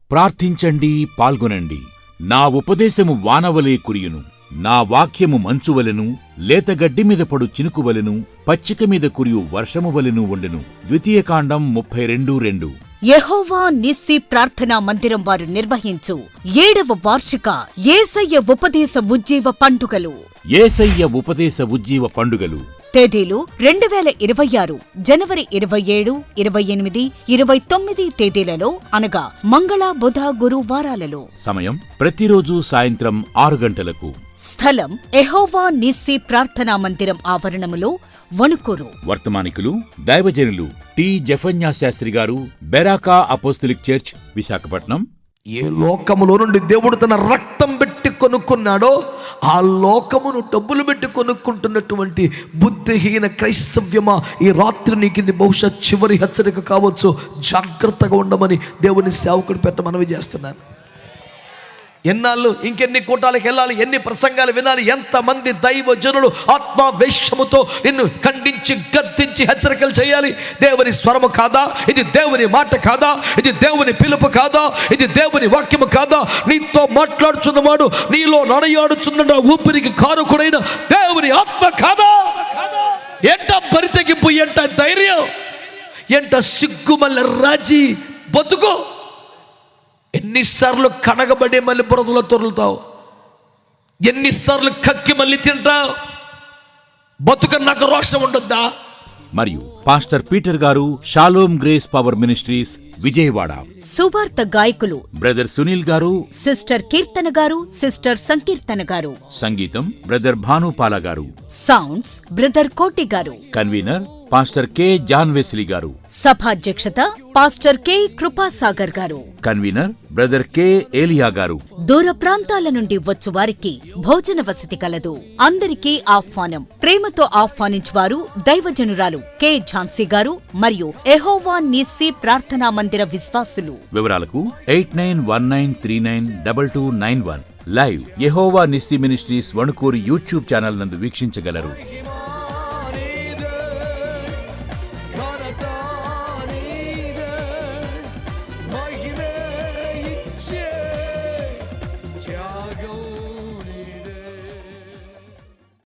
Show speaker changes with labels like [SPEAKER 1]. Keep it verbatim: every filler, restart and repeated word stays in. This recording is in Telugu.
[SPEAKER 1] ప్రార్థించండి, పాల్గొనండి. నా ఉపదేశము వానవలే కురియును, నా వాక్యము మంచువలెను, లేతగడ్డి మీద పడు చినుకువలెను, పచ్చిక మీద కురియు వర్షము వలెను ఉండెను. ద్వితీయకాండం ముప్పై రెండు రెండు.
[SPEAKER 2] యెహోవా నిస్సి ప్రార్థనా మందిరం వారు నిర్వహించు ఏడవ వార్షిక యేసయ్య ఉపదేశ ఉజ్జీవ పండుగలు.
[SPEAKER 1] యేసయ్య ఉపదేశ ఉజ్జీవ పండుగలు
[SPEAKER 2] తేదీలు రెండు వేల ఇరవై ఆరు జనవరి ఇరవై ఏడు, ఇరవై ఎనిమిది, ఇరవై తొమ్మిది తేదీలలో అనగా మంగళ, బుధ, గురు వారాలలో.
[SPEAKER 1] సమయం ప్రతిరోజు సాయంత్రం ఆరు గంటలకు.
[SPEAKER 2] స్థలం యెహోవా నిస్సి ప్రార్థనా మందిరం ఆవరణములో, వణుకూరు.
[SPEAKER 1] వర్తమానికులు దైవజనులు టి జఫన్యా శాస్త్రి గారు, బెరాకా అపోస్తలిక్ చర్చ్, విశాఖపట్నం.
[SPEAKER 3] ఏ లోకములో నుండి దేవుడు తన రక్తం పెట్టి కొనుక్కున్నాడో ఆ లోకమును డబ్బులు పెట్టి కొనుక్కుంటున్నటువంటి బుద్ధిహీన క్రైస్తవ్యమా, ఈ రాత్రి నీకు ఇది బహుశా చివరి హెచ్చరిక కావచ్చు. జాగ్రత్తగా ఉండమని దేవుని సేవకుడు పెట్ట మనవి చేస్తున్నాను. ఎన్నాళ్ళు ఇంకెన్ని కూటాలకు వెళ్ళాలి, ఎన్ని ప్రసంగాలు వినాలి, ఎంతమంది దైవ జనులు ఆత్మావేశముతో నిన్ను ఖండించి గద్దించి హెచ్చరికలు చేయాలి. దేవుని స్వరము కాదా ఇది? దేవుని మాట కాదా ఇది? దేవుని పిలుపు కాదా ఇది? దేవుని వాక్యము కాదా? నీతో మాట్లాడుచున్నవాడు, నీలో నడయాడుచున్న ఊపిరికి కారుకుడైన దేవుని ఆత్మ కాదా? ఎంట బరితెగింపు, ఎంట ధైర్యం, ఎంట సిగ్గుమల్ల రాజీ బతుకు. ఎన్నిసార్లు కడగబడి మళ్ళీ బురదలో తొరులుతావు, ఎన్నిసార్లు కక్కి మళ్ళీ తింటావు. బతుక నాకు రోషం ఉండొద్దా?
[SPEAKER 1] మరియు పాస్టర్ పీటర్ గారు, Shalom grace power ministries, Vijayawada.
[SPEAKER 2] సువార్త గాయకులు
[SPEAKER 1] బ్రదర్ సునీల్ గారు,
[SPEAKER 2] సిస్టర్ కీర్తన గారు, సిస్టర్ సంకీర్తన గారు.
[SPEAKER 1] సంగీతం బ్రదర్ భానుపాల గారు.
[SPEAKER 2] సౌండ్స్ బ్రదర్ కోటి గారు.
[SPEAKER 1] Convener pastor K John Wesley గారు.
[SPEAKER 2] సభాధ్యక్షత పాస్టర్ కె కృపాసాగర్ గారు.
[SPEAKER 1] కన్వీనర్ బ్రదర్ కె ఏలియా గారు.
[SPEAKER 2] దూర ప్రాంతాల నుండి వచ్చు వారికి భోజన వసతి కలదు. అందరికీ ఆహ్వానం. ప్రేమతో ఆహ్వానించువారు దైవజనురాలు కె ఝాన్సీ గారు మరియు యెహోవా నిస్సి ప్రార్థనా మందిర విశ్వాసులు.
[SPEAKER 1] వివరాలకు eight nine one nine three nine double two nine one. Live Jehovah Nissi ministries Vanukuru YouTube channel నందు వీక్షించగలరు.